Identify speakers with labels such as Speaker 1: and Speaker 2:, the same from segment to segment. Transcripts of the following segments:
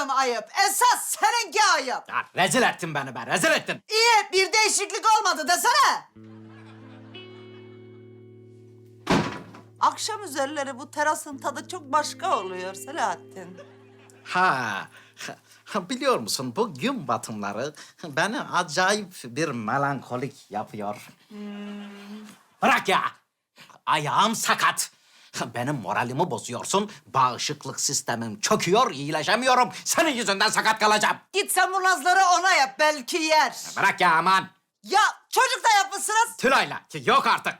Speaker 1: yaptığım ayıp. Esas seninki ayıp.
Speaker 2: Ya rezil ettin beni be, rezil ettin.
Speaker 1: İyi, bir değişiklik olmadı desene. Akşam üzerleri bu terasın tadı çok başka oluyor Selahattin.
Speaker 2: Ha, biliyor musun bu gün batımları beni acayip bir melankolik yapıyor. Bırak ya, ayağım sakat. Benim moralimi bozuyorsun, bağışıklık sistemim çöküyor, iyileşemiyorum. Senin yüzünden sakat kalacağım.
Speaker 1: Git sen bu nazları ona yap, belki yer.
Speaker 2: Bırak ya aman.
Speaker 1: Ya çocuk da yapmışsınız.
Speaker 2: Tülay'la, yok artık.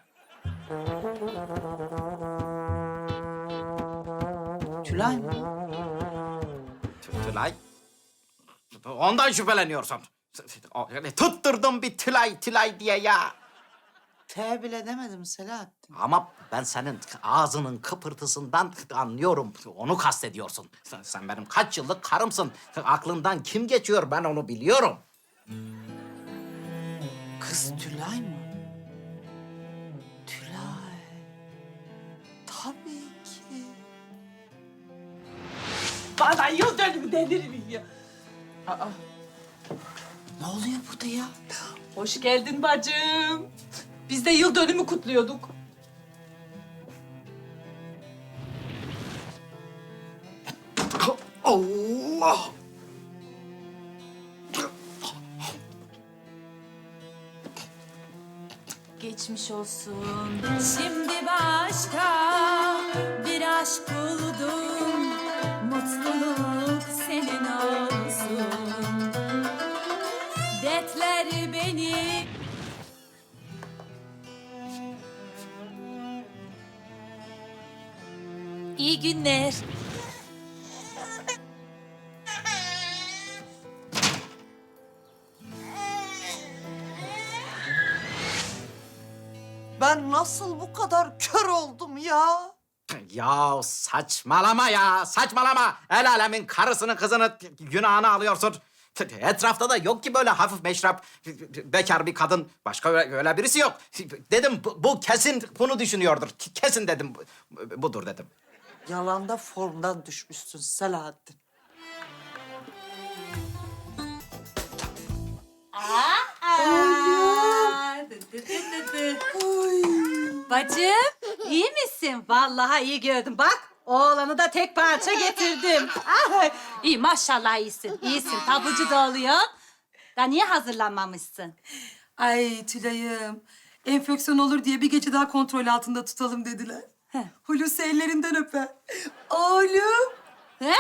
Speaker 1: Tülay mı?
Speaker 2: Tülay? Ondan şüpheleniyorsun. Tutturdum bir Tülay diye ya.
Speaker 1: T bile demedim Selahattin.
Speaker 2: Ama ben senin ağzının kıpırtısından anlıyorum. Onu kastediyorsun. Sen benim kaç yıllık karımsın. Aklından kim geçiyor ben onu biliyorum.
Speaker 1: Kız Tülay mı? Tülay. Tabii ki.
Speaker 3: Bana yıl dönümü denir mi ya?
Speaker 1: Ne oluyor burada ya?
Speaker 3: Hoş geldin bacım. Biz de yıl dönümü kutluyorduk.
Speaker 2: Allah!
Speaker 4: Geçmiş olsun. Şimdi başka bir aşk buldum. Mutluluk senin olsun. Dertler beni... İyi günler.
Speaker 1: Ben nasıl bu kadar kör oldum ya?
Speaker 2: Ya saçmalama ya, saçmalama. El alemin karısını, kızını, günahını alıyorsun. Etrafta da yok ki böyle hafif meşrap, bekar bir kadın. Başka öyle birisi yok. Dedim bu kesin bunu düşünüyordur. Kesin dedim, budur dedim.
Speaker 1: Yalanda formdan düşmüşsün Selahattin.
Speaker 4: Bacım, iyi misin? Vallahi iyi gördüm. Bak, oğlanı da tek parça getirdim. Ay, iyi, maşallah iyisin. İyisin, tabucu da oluyorsun. Da niye hazırlanmamışsın?
Speaker 5: Ay Tülay'ım, enfeksiyon olur diye bir gece daha kontrol altında tutalım dediler. Hulusi ellerinden öper. Oğlum.
Speaker 4: He?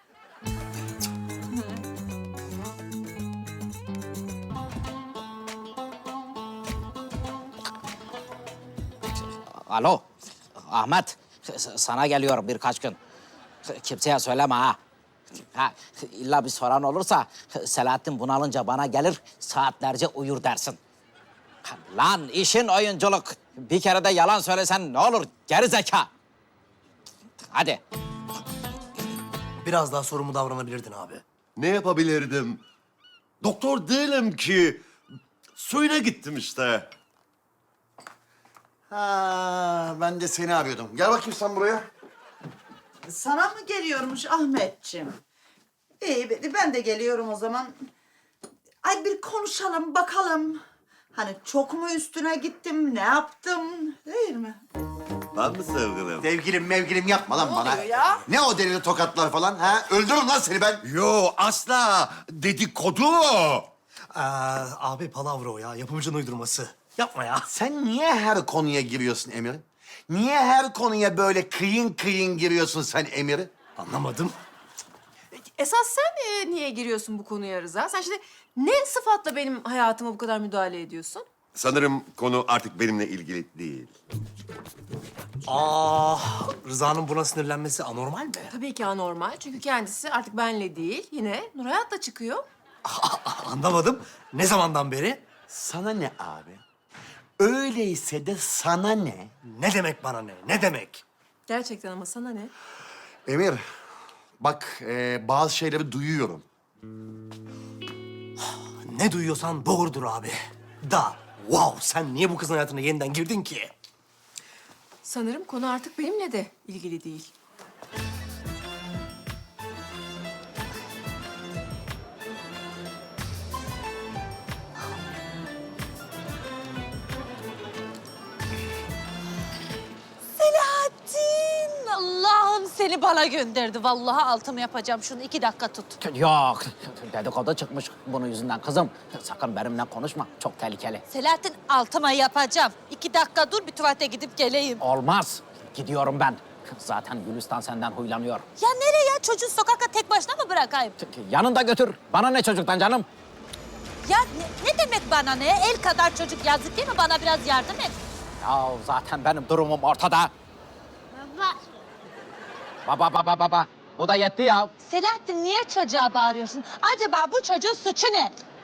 Speaker 2: Alo, Ahmet. Sana geliyorum birkaç gün. Kimseye söyleme ha. Ha, illa bir soran olursa Selahattin bunalınca bana gelir, saatlerce uyur dersin. Lan işin oyunculuk. Bir kere de yalan söylesen ne olur geri zeka. Hadi.
Speaker 6: Biraz daha sorumlu davranabilirdin abi.
Speaker 7: Ne yapabilirdim? Doktor değilim ki. Suyuna gittim işte.
Speaker 6: Ha, ben de seni arıyordum. Gel bakayım sen buraya.
Speaker 1: Sana mı geliyormuş Ahmetciğim? İyi, ben de geliyorum o zaman. Ay bir konuşalım, bakalım. Hani çok mu üstüne gittim, ne yaptım, değil mi?
Speaker 7: Ben mi sevgilim?
Speaker 6: Sevgilim mevgilim yapma lan bana.
Speaker 1: oluyor ya?
Speaker 6: Ne o delili tokatlar falan ha? Öldürürüm lan seni ben.
Speaker 7: Yo asla. Dedikodu.
Speaker 8: Abi palavra o ya. Yapımcının uydurması. Yapma ya.
Speaker 6: Sen niye her konuya giriyorsun Emir? Niye her konuya böyle kıyın kıyın giriyorsun sen Emir?
Speaker 8: Anlamadım.
Speaker 9: Esas sen niye giriyorsun bu konuya Rıza? Sen şimdi ne sıfatla benim hayatıma bu kadar müdahale ediyorsun?
Speaker 7: Sanırım konu artık benimle ilgili değil.
Speaker 8: Rıza'nın buna sinirlenmesi anormal mi?
Speaker 9: Tabii ki anormal. Çünkü kendisi artık benle değil, yine Nur Hayat'la çıkıyor.
Speaker 8: Anlamadım. Ne zamandan beri?
Speaker 6: Sana ne abi? Öyleyse de sana ne?
Speaker 8: Ne demek bana ne? Ne demek?
Speaker 9: Gerçekten ama sana ne?
Speaker 6: Emir, bak bazı şeyleri duyuyorum.
Speaker 8: Ne duyuyorsan doğrudur abi. Wow, sen niye bu kızın hayatına yeniden girdin ki?
Speaker 9: Sanırım konu artık benimle de ilgili değil.
Speaker 4: seni bana gönderdi. Vallahi altımı yapacağım. Şunu 2 dakika tut.
Speaker 2: Yok, dedikodu çıkmış bunun yüzünden kızım. Sakın benimle konuşma, çok tehlikeli.
Speaker 4: Selahattin altıma yapacağım. 2 dakika dur bir tuvalete gidip geleyim.
Speaker 2: Olmaz, gidiyorum ben. Zaten Gülistan senden huylanıyor.
Speaker 4: Ya nereye? Çocuğu sokakta tek başına mı bırakayım?
Speaker 2: Yanında götür, bana ne çocuktan canım?
Speaker 4: Ya ne demek bana ne? El kadar çocuk yazık değil mi? Bana biraz yardım et.
Speaker 2: Ya zaten benim durumum ortada. Baba. Bu da yetti ya.
Speaker 4: Selahattin niye çocuğa bağırıyorsun? Acaba bu çocuğun suçu ne?